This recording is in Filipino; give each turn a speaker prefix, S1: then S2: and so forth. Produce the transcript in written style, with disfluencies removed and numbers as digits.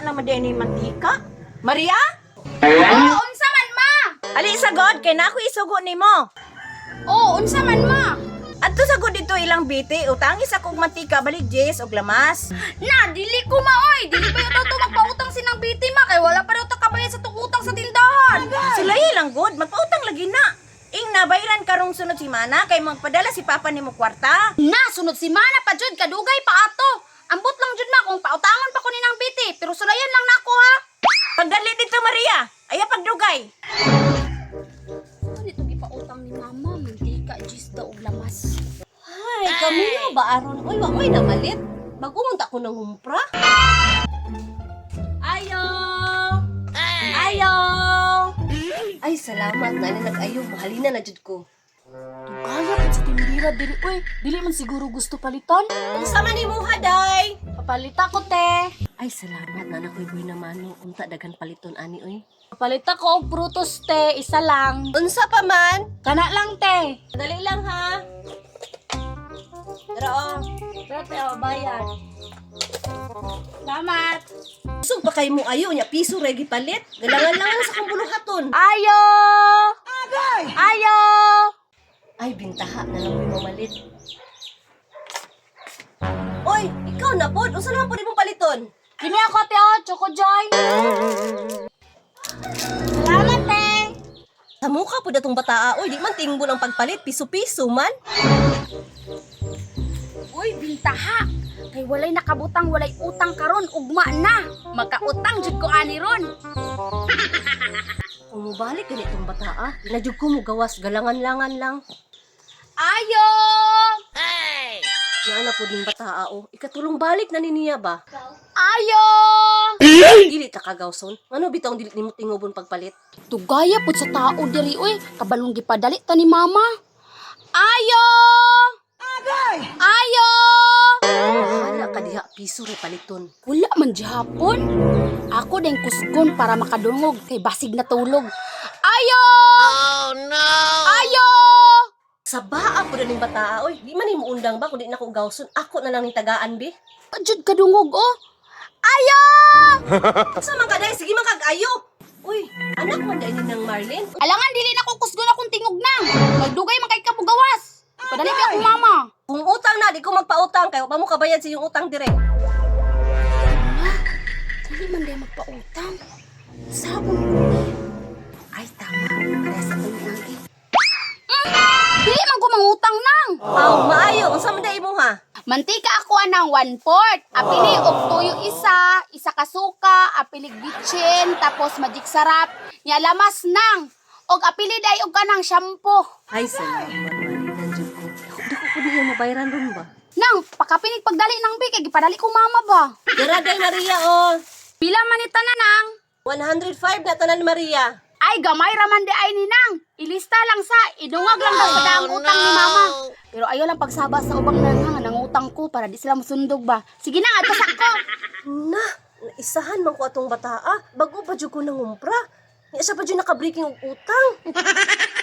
S1: naman din ni mantika. Maria?
S2: Oh, unsa man ma?
S1: Ali sagod kay na ako isugo nimo.
S2: Oh, unsa man ma?
S1: Adto sagod dito ilang biti, utangis akong mantika balik Jess og lamas.
S2: Na, dili ko ma oy. Dili ba ito magpautang sinang biti ma kay wala pa daw ta kabayad sa utang sa tindahan.
S1: Sila lang good, magpautang lagi na. Ing nabayran karong sunod si Mana kay magpadala si Papa nimo kwarta.
S2: Na, sunod si mana pa jud kadugay pa ato. Ambot lang jud ma kung pautangan pa ko ninang biti, pero sulayan lang nako ha.
S1: Pagdali dito Maria, aya pagdugay.
S2: Ano ito gipautang ni mama, mantika, jis daw og lamas.
S3: Ay, kami ba aron? Uy, wa may namalit. Bago munta ko ng humpra.
S2: Ayo! Ayo!
S3: Ay, salamat na nag-ayo. Mahalina na jud ko.
S4: Kaya pa sa tindira dili oy, dili man siguro gusto palitan.
S3: Unsa man nimo haday?
S4: Papalita ko te.
S3: Ay, salamat na nakoy boy naman no. Unta daghan paliton ani oy.
S4: Papalita ko og prutos te, isa lang.
S3: Unsa pa man?
S4: Kana lang te.
S3: Dali lang ha. Pero
S4: Pero te o bayad. Salamat.
S3: sug pa kay mo ayo nya piso regi palit. Galangan-langan sa kong buluhaton.
S4: Ayo! Ayo!
S3: Ay, bintaha na lang may mamalit. Oy, ikaw na pod. Unsa naman pod imong paliton?
S4: Kini ako te o, Choco Joy. Salamat te.
S3: Sa mukha po datong bataa. Oy, di man tingbol ang pagpalit. Piso-piso man.
S2: Uy, bintaha. Kay walay nakabutang, walay utang karon, ugma na. Magkautang jud ko ani ron.
S3: Kung mubalik ganitong bataa, inadjug ko mo gawas. Galangan-langan lang.
S2: Ayo!
S3: Naana po din bataa o. Ikatulong balik na niya ba?
S2: Ayo!
S3: Dili ta kagawson. Ngano bitaw dili nimo tingobon pagpalit?
S2: Tugaya pud sa tao diri oy, kabalong gipadali ta ni mama. Ayo! Ayo!
S3: Bahala ka diha piso re paliton.
S2: Wala man gihapon. Ako din kusgon para makadungog kay basig na tulog. Ayo! Oh no! Ayo!
S3: Sa baa po ning bataa oy. Di man nimo undang ba kun di na ko gawson. Ako na lang ning tagaan bi.
S2: Jud kadungog oh. Ayo!
S3: Sa man kaday sige man kag-ayo. Uy, anak man dai ni nang Marlene.
S2: Alangan dili na ko kusgon akong tingog na. Magdugay man kay kabugawas. Padali pa ako mama.
S3: Kung utang na, di ko magpautang kay wa pa mo kabayad sa iyong utang dire.
S2: Dili man day magpautang. Sabon ko.
S3: Ay tama. Para sa tuloy lagi.
S2: Dili man ko mangutang nang.
S3: Aw, maayo. Unsa man dai mo ha?
S2: Mantika ako anang 1/4. Apili og tuyo isa ka suka, apilig bitchin, tapos magic sarap. Nya lamas nang. Og apili day og kanang shampoo.
S3: Ay salamat Marlene jud ko. Dako ko diha mabayaran ron ba?
S2: Nang pakapinig pagdali nang bi kay gipadali ko mama ba.
S3: Dara day Maria oh.
S2: Pila man ita na nang?
S3: 105 na tanan Maria.
S2: Ay gamay raman di ay ni nang. Ilista lang sa idungag lang daw sa daang utang ni mama. Pero ayo lang pagsaba sa ubang nanghang nang utang ko para di sila musundog ba. Sige na nga tasak ko.
S3: Na, isahan man ko atong bataa. Bago pa jud ko nangumpra. Ni isa pa jud naka-breaking og utang.